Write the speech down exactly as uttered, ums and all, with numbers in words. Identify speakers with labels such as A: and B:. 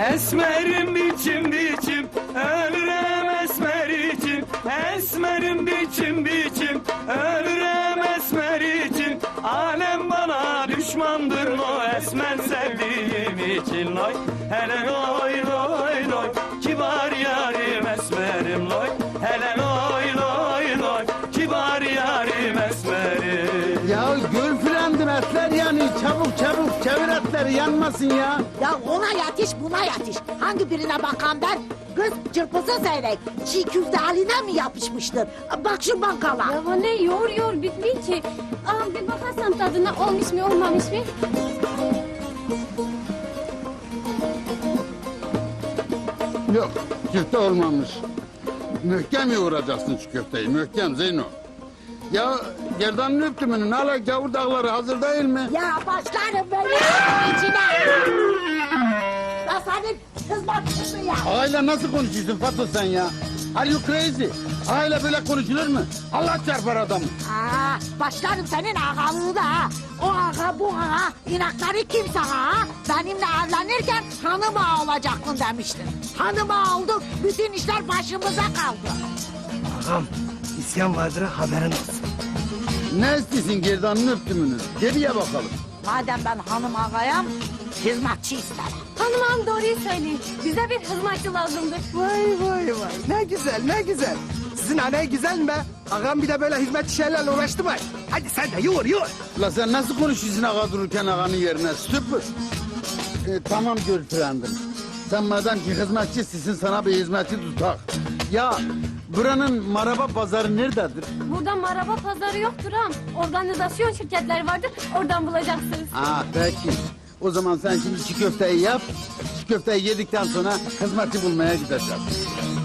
A: Esmerim biçim biçim, ölürüm esmer için. Esmerim biçim biçim, ölürüm esmer için. Alem bana düşmandır o esmer sevdiğim için. Loy, hele loy loy loy, kibar yarim esmerim loy. Hele loy loy loy, kibar yarim esmerim.
B: Ya göl filandır etler yani, çabuk çabuk çevir etleri yanmasın ya.
C: Ya ona yetiş buna yetiş. Hangi birine bakan ben? Kız çırpısı seyrek. Çiğ köfte haline mi yapışmıştır? Bak şu bankala.
D: Ya anne yoğur yoğur bitmiyor ki. Aa, bir bakarsam tadına olmuş mu olmamış mı?
B: Yok, köfte olmamış. Mühkem yoğuracaksın şu köfteyi, mühkem Zeyno. Ya gerdanın öptümünün hala gavur dağları hazır değil mi?
C: Ya başlarım böyle içine. Ya senin hizmetçisin ya.
B: Ağayla nasıl konuşuyorsun Fato sen ya? Are you crazy? Ağayla böyle konuşulur mu? Allah çarpar adamı.
C: Aa, başlarım senin ağalığına ha. O ağa bu ağa inakları kimse ha. Benimle evlenirken hanım ağa olacaksın demiştin. Hanım ağa olduk, bütün işler başımıza kaldı.
E: Ağam, isyan vardır haberin olsun.
B: Ne istiyorsun gerdanın öptümünü? Geriye bakalım.
C: Madem ben hanım ağayım, hizmetçi isterim.
D: Hanım ağam doğruyu söylüyor. Bize bir hizmetçi lazımdır.
E: Vay vay vay, ne güzel ne güzel. Sizin anne güzel mi be? Ağam bir de böyle hizmetçi şeylerle uğraştı mı? Hadi sen de yoğur yoğur.
B: La sen nasıl konuşuyorsun ağa dururken ağanın yerine? Stupid. Ee, tamam Gülfrendim. Sen madem ki hizmetçisisin sana bir hizmetçi tutak. Ya buranın maraba pazarı nerededir?
D: Burada maraba pazarı yoktur ağam. Organizasyon şirketleri vardır. Oradan bulacaksınız.
B: Aa peki. O zaman sen şimdi çiğ köfteyi yap. Çiğ köfteyi yedikten sonra hizmetçi bulmaya gideceğiz.